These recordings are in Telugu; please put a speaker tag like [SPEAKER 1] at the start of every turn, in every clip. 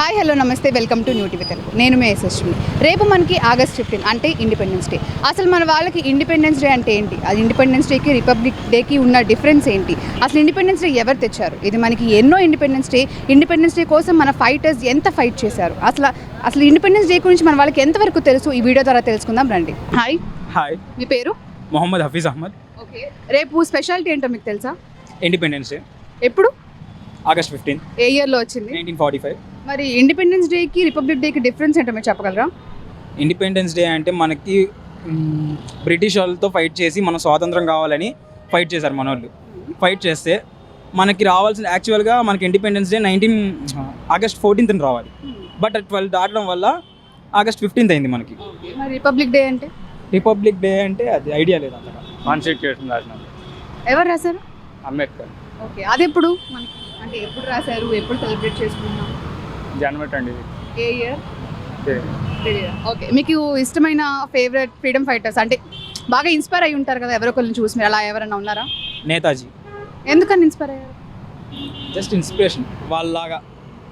[SPEAKER 1] హాయ్ హలో నమస్తే welcome to new TV Telugu. నేను మీ యశస్విని. రేపు మనకి ఆగస్ట్ 15 అంటే ఇండిపెండెన్స్ డే. అసలు మన వాళ్ళకి ఇండిపెండెన్స్ డే అంటే ఏంటి, అది ఇండిపెండెన్స్ డేకి రిపబ్లిక్ డేకి ఉన్న డిఫరెన్స్ ఏంటి, అసలు ఇండిపెండెన్స్ డే ఎవరు తెచ్చారు, ఇది మనకి ఎన్నో ఇండిపెండెన్స్ డే కోసం మన ఫైటర్స్ ఎంత ఫైట్ చేశారు, అసలు ఇండిపెండెన్స్ డే గురించి మన వాళ్ళకి ఎంతవరకు తెలుసు, ఈ వీడియో ద్వారా తెలుసుకుందాం రండి. హాయ్, మీ పేరు?
[SPEAKER 2] మొహమ్మద్ హఫీజ్ అహ్మద్.
[SPEAKER 1] ఓకే, రేపు స్పెషాలిటీ ఏంటో మీకు తెలుసా?
[SPEAKER 2] ఇండిపెండెన్స్ డే
[SPEAKER 1] ఎప్పుడు?
[SPEAKER 2] ఆగస్ట్ 15,
[SPEAKER 1] ఏ ఇయర్లో వచ్చింది?
[SPEAKER 2] 1945.
[SPEAKER 1] మరి ఇండిపెండెన్స్ డేకి రిపబ్లిక్ డేకి డిఫరెన్స్ ఏంటో మీరు చెప్పగలరా?
[SPEAKER 2] ఇండిపెండెన్స్ డే అంటే మనకి బ్రిటిష్ వాళ్ళతో ఫైట్ చేసి మనం స్వాతంత్రం కావాలని ఫైట్ చేశారు మన వాళ్ళు. ఫైట్ చేస్తే మనకి రావాల్సిన యాక్చువల్గా మనకి ఇండిపెండెన్స్ డే ఆగస్ట్ 14th రావాలి. బట్ 12 దాటడం వల్ల ఆగస్ట్ 15th అయింది మనకి.
[SPEAKER 1] మరి రిపబ్లిక్ డే అంటే?
[SPEAKER 2] రిపబ్లిక్ డే అంటే అది ఐడియా లేదు అంతగా. కాన్స్టిట్యూషన్ రాసిన
[SPEAKER 1] ఎవరు రాశారు?
[SPEAKER 2] అంబేద్కర్.
[SPEAKER 1] ఓకే, అది ఎప్పుడు మనకి, అంటే ఎప్పుడు రాశారు, ఎప్పుడు సెలబ్రేట్ చేసుకుంటున్నాం?
[SPEAKER 2] జనవరి 20.
[SPEAKER 1] ఏ ఇయర్? ఓకే, మీకు ఇష్టమైన ఫేవరెట్ ఫ్రీడమ్ ఫైటర్స్ అంటే బాగా ఇన్స్పైర్ అయి ఉంటారు కదా ఎవరో ఒకరిని చూసి, మీరు అలా ఎవరైనా ఉన్నారా?
[SPEAKER 2] నేతాజీ.
[SPEAKER 1] ఎందుకని ఇన్స్పైర్ అయ్యారు?
[SPEAKER 2] జస్ట్ ఇన్స్పిరేషన్ వాళ్ళలాగా.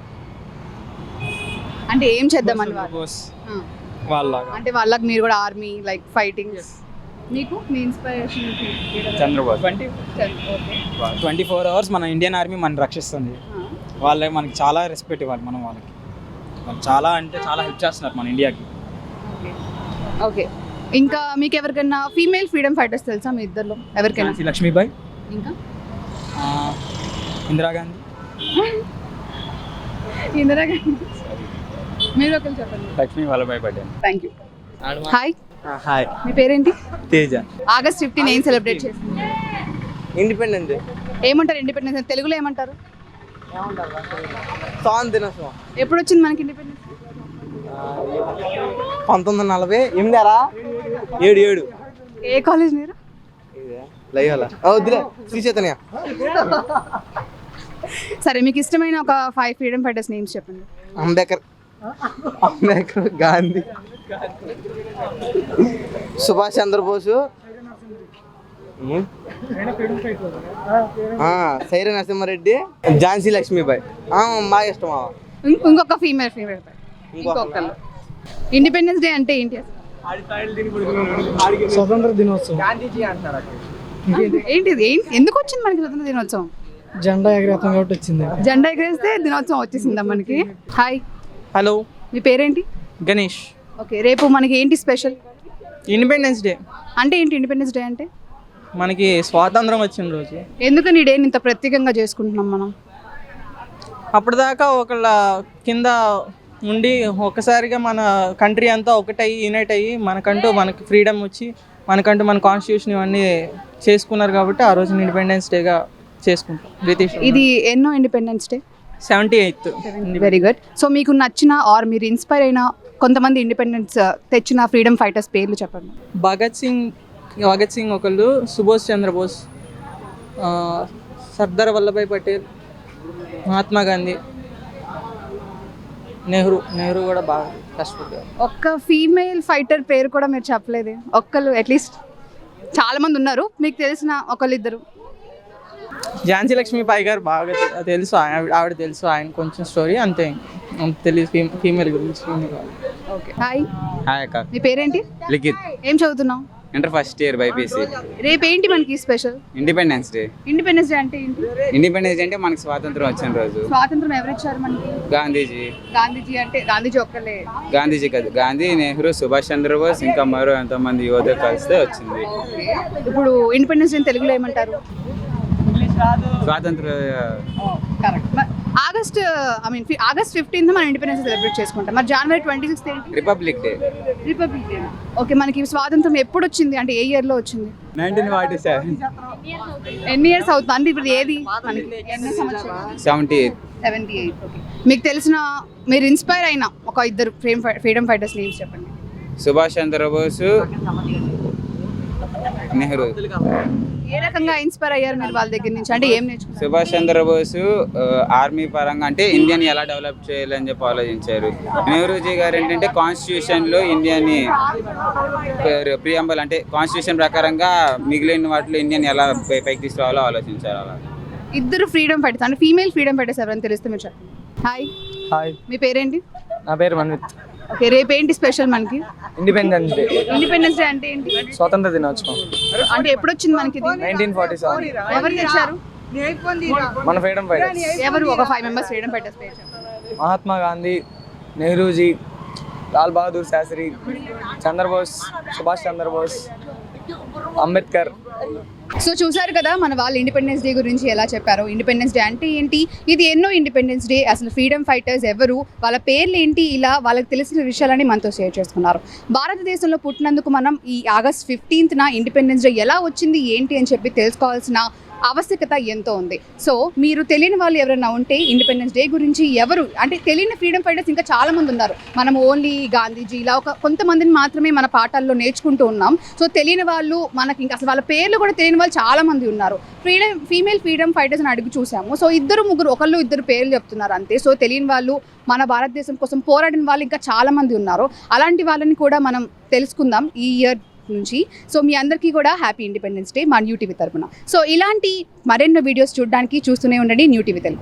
[SPEAKER 1] అంటే ఏం చేద్దామని
[SPEAKER 2] వాళ్ళలాగా
[SPEAKER 1] అంటే వాళ్ళకి మీరు కూడా ఆర్మీ లైక్ ఫైటింగ్. మీకు మీ ఇన్స్పిరేషన్?
[SPEAKER 2] చంద్రబాబు. 24 hours మన ఇండియన్ ఆర్మీ మనం రక్షిస్తుంది. వాళ్ళకి మనకి చాలా రెస్పెక్ట్ ఇవ్వాలి మనం వాళ్ళకి. వాళ్ళు చాలా అంటే చాలా హెల్ప్ చేస్తున్నారు మన ఇండియాకి.
[SPEAKER 1] ఓకే, ఇంకా మీకు ఎవరికైనా ఫీమేల్ ఫ్రీడమ్ ఫైటర్స్ తెలుసా మీ ఇద్దరిలో ఎవరికైనా?
[SPEAKER 2] లక్ష్మీబాయి,
[SPEAKER 1] ఇంకా
[SPEAKER 2] ఇందిరాగాంధీ.
[SPEAKER 1] ఇందిరాగాంధీ. మీరు ఒకరు చెప్పండి.
[SPEAKER 2] Lakshmi Vallabhbhai Patel.
[SPEAKER 1] Thank you. Hi, మీ పేరేంటి?
[SPEAKER 2] తేజ.
[SPEAKER 1] ఆగస్ట్ 15 ఏం సెలబ్రేట్ చేస్తుంది?
[SPEAKER 3] Independence day.
[SPEAKER 1] ఏమంటారు ఇండిపెండెన్స్? తెలుగులో ఏమంటారు?
[SPEAKER 3] స్వాతంత్ర దినోత్సవం.
[SPEAKER 1] ఎప్పుడు వచ్చింది మనకి ఇండిపెండెన్స్?
[SPEAKER 3] 1947.
[SPEAKER 1] ఏ కాలేజ్ మీరు?
[SPEAKER 3] వద్దులే, శ్రీ చైతన్య.
[SPEAKER 1] సరే, మీకు ఇష్టమైన ఒక 5 ఫ్రీడమ్ ఫైటర్స్ నేమ్స్ చెప్పండి.
[SPEAKER 3] అంబేద్కర్, గాంధీ, సుభాష్ చంద్రబోసు, సైరా నరసింహారెడ్డి, ఝాన్సీ లక్ష్మీబాయి. బాగా ఇష్టం.
[SPEAKER 1] ఇంకొక ఫీమేల్ ఇంకొకళ్ళు. ఇండిపెండెన్స్ డే అంటే ఏంటి?
[SPEAKER 3] స్వతంత్ర దినోత్సవం.
[SPEAKER 1] ఏంటిది? ఎందుకు వచ్చింది మనకి స్వతంత్ర దినోత్సవం?
[SPEAKER 3] జెండా ఎగరేస్తాం కాబట్టి వచ్చింది.
[SPEAKER 1] జెండా ఎగరేస్తే దినోత్సవం వచ్చేసిందా మనకి? హాయ్,
[SPEAKER 3] హలో,
[SPEAKER 1] మీ పేరేంటి?
[SPEAKER 3] గణేష్.
[SPEAKER 1] ఓకే, రేపు మనకి ఏంటి స్పెషల్?
[SPEAKER 3] Independence day.
[SPEAKER 1] అంటే ఏంటి ఇండిపెండెన్స్ డే అంటే?
[SPEAKER 3] మనకి స్వాతంత్రం వచ్చిన రోజు.
[SPEAKER 1] ఎందుకని ఈ డేని ఇంత ప్రత్యేకంగా చేసుకుంటున్నాం మనం?
[SPEAKER 3] అప్పటిదాకా ఒకళ్ళ కింద ఉండి ఒక్కసారిగా మన కంట్రీ అంతా ఒకటయ్యి యునైట్ అయ్యి మనకి ఫ్రీడమ్ వచ్చి మనకంటూ మన కాన్స్టిట్యూషన్ ఇవన్నీ చేసుకున్నారు కాబట్టి ఆ రోజు ఇండిపెండెన్స్ డేగా చేసుకుంటాం. బ్రిటిష్.
[SPEAKER 1] ఇది ఎన్నో independence day?
[SPEAKER 3] 78th.
[SPEAKER 1] Very good. So మీకు నచ్చిన ఆర్ మీరు ఇన్స్పైర్ అయిన కొంతమంది ఇండిపెండెన్స్ తెచ్చిన ఫ్రీడమ్ ఫైటర్స్ పేర్లు చెప్పండి.
[SPEAKER 3] భగత్ సింగ్ ఒకళ్ళు, సుభాష్ చంద్రబోస్, సర్దార్ వల్లభాయ్ పటేల్, మహాత్మా గాంధీ, నెహ్రూ కూడా బాగా కష్టపడ్డారు.
[SPEAKER 1] ఒక్క ఫీమేల్ ఫైటర్ పేరు కూడా మీరు చెప్పలేదు. ఒక్కళ్ళు అట్లీస్ట్. చాలా మంది ఉన్నారు, మీకు తెలిసిన ఒకళ్ళిద్దరు.
[SPEAKER 3] ఝాన్సీ లక్ష్మీబాయి గారు బాగా తెలుసు, ఆవిడ తెలుసు, ఆయన కొంచెం స్టోరీ అంతే తెలియదు ఫీమేల్ గురించి.
[SPEAKER 1] ఓకే, హాయ్
[SPEAKER 2] అక్క.
[SPEAKER 1] మీ పేరేంటి?
[SPEAKER 2] లిఖిత్.
[SPEAKER 1] ఏం చదువుతున్నావు?
[SPEAKER 2] Inter first year BiPC.
[SPEAKER 1] రేపు ఏంటి మనకి special?
[SPEAKER 2] Independence day.
[SPEAKER 1] Independence day అంటే ఏంటి?
[SPEAKER 2] ఇండిపెండెన్స్ డే అంటే మనకి స్వాతంత్రం వచ్చిన రోజు.
[SPEAKER 1] స్వాతంత్రం ఎవరు ఇచ్చారు మనకి? గాంధీజీ అంటే గాంధీజీ ఒక్కలే?
[SPEAKER 2] గాంధీజీ కాదు, గాంధీ, నెహ్రూ, సుభాష్ చంద్రబోస్, ఇంకా మరో ఎంతోమంది యువత కలిస్తే వచ్చింది.
[SPEAKER 1] ఇప్పుడు ఇండిపెండెన్స్ డే తెలుగులో ఏమంటారు?
[SPEAKER 2] స్వాతంత్ర.
[SPEAKER 1] ఆగస్ట్ 15 మనం ఇండిపెండెన్స్ సెలబ్రేట్ చేసుకుంటాం. మరి జనవరి 26 ఏంటి?
[SPEAKER 2] Republic day.
[SPEAKER 1] ఓకే, మనకి స్వాతంత్రం ఎప్పుడు వచ్చింది, అంటే ఏ ఇయర్ లో వచ్చింది?
[SPEAKER 2] 1947.
[SPEAKER 1] ఎన్ని ఇయర్స్ అవుతుంది అంటే ఇప్పుడు ఏది మనకి? 78. ఓకే, మీకు తెలిసిన మీరు ఇన్స్పైర్ అయిన ఒక ఇద్దరు ఫ్రీడమ్ ఫైటర్స్ నేమ్స్ చెప్పండి.
[SPEAKER 2] సుభాష్ చంద్రబోసు, నెహ్రూ.
[SPEAKER 1] ఏ రకంగా ఇన్స్పైర్ అయ్యారు మీరు వాళ్ళ దగ్గర నుంచి, అంటే ఏం నేర్చుకున్నారు?
[SPEAKER 2] సుభాష్ చంద్రబోసు ఆర్మీ పరంగా అంటే ఇండియాని ఎలా డెవలప్ చేయాలని చెప్పి ఆలోచించారు. నెహ్రూజీ గారు ఏంటంటే కాన్స్టిట్యూషన్లో ఇండియాని ప్రియంబల్ అంటే కాన్స్టిట్యూషన్ ప్రకారంగా మిగిలిన వాటిలో ఇండియాని ఎలా పైకి తీసుకురావాలో ఆలోచించారు. అలా
[SPEAKER 1] ఇద్దరు ఫ్రీడమ్ ఫైటర్స్ అంటే ఫీమేల్ ఫ్రీడమ్ ఫైటర్స్ ఎవరైనా తెలిస్తే మీరు చెప్పండి. హాయ్,
[SPEAKER 4] హాయ్,
[SPEAKER 1] మీ పేరేంటి?
[SPEAKER 4] నా పేరు మన్విత్.
[SPEAKER 1] ఓకే, రేపు ఏంటి స్పెషల్ మనకి?
[SPEAKER 4] ఇండిపెండెన్స్ డే,
[SPEAKER 1] ఇండిపెండెన్స్ డే అంటే ఏంటి?
[SPEAKER 4] స్వాతంత్ర దినోత్సవం.
[SPEAKER 1] అంటే ఎప్పుడు వచ్చింది మనకి ఇది?
[SPEAKER 4] 1947
[SPEAKER 1] ఎవరు తెచ్చారు?
[SPEAKER 4] మన ఫ్రీడమ్ ఫైటర్స్
[SPEAKER 1] ఎవరు? ఒక 5 మెంబర్స్ ఫ్రీడమ్ ఫైటర్స్ పేరు చెప్పండి.
[SPEAKER 4] మహాత్మా గాంధీ, నెహ్రూజీ, లాల్ బహదూర్ శాస్త్రి, చంద్రబోస్, సుభాష్ చంద్రబోస్, అంబేద్కర్.
[SPEAKER 1] సో చూసారు కదా మన వాళ్ళు ఇండిపెండెన్స్ డే గురించి ఎలా చెప్పారో. ఇండిపెండెన్స్ డే అంటే ఏంటి, ఇది ఎన్నో ఇండిపెండెన్స్ డే, అసలు ఫ్రీడమ్ ఫైటర్స్ ఎవరు, వాళ్ళ పేర్లు ఏంటి, ఇలా వాళ్ళకి తెలిసిన విషయాలని మనతో షేర్ చేసుకున్నారు. భారతదేశంలో పుట్టినందుకు మనం ఈ ఆగస్ట్ 15న ఇండిపెండెన్స్ డే ఎలా వచ్చింది ఏంటి అని చెప్పి తెలుసుకోవాల్సిన ఆవశ్యకత ఎంతో ఉంది. సో మీరు తెలియని వాళ్ళు ఎవరైనా ఉంటే ఇండిపెండెన్స్ డే గురించి ఎవరు అంటే తెలియని ఫ్రీడమ్ ఫైటర్స్ ఇంకా చాలా మంది ఉన్నారు. మనం ఓన్లీ గాంధీజీ ఇలా కొంతమందిని మాత్రమే మన పాఠాల్లో నేర్చుకుంటూ ఉన్నాం. సో తెలియని వాళ్ళు మనకి ఇంకా అసలు వాళ్ళ పేర్లు కూడా తెలియని వాళ్ళు చాలా మంది ఉన్నారు. ఫీమేల్ ఫ్రీడమ్ ఫైటర్స్ అని అడిగి చూసాము. సో ఒకళ్ళు ఇద్దరు పేర్లు చెప్తున్నారు అంతే. సో తెలియని వాళ్ళు, మన భారతదేశం కోసం పోరాడిన వాళ్ళు ఇంకా చాలా మంది ఉన్నారు. అలాంటి వాళ్ళని కూడా మనం తెలుసుకుందాం ఈ ఇయర్ నుంచి. సో మీ అందరికీ కూడా హ్యాపీ ఇండిపెండెన్స్ డే మా న్యూ టీవీ తరపున. సో ఇలాంటి మరెన్నో వీడియోస్ చూడడానికి చూస్తూనే ఉండండి న్యూ టీవీ తెలుగు.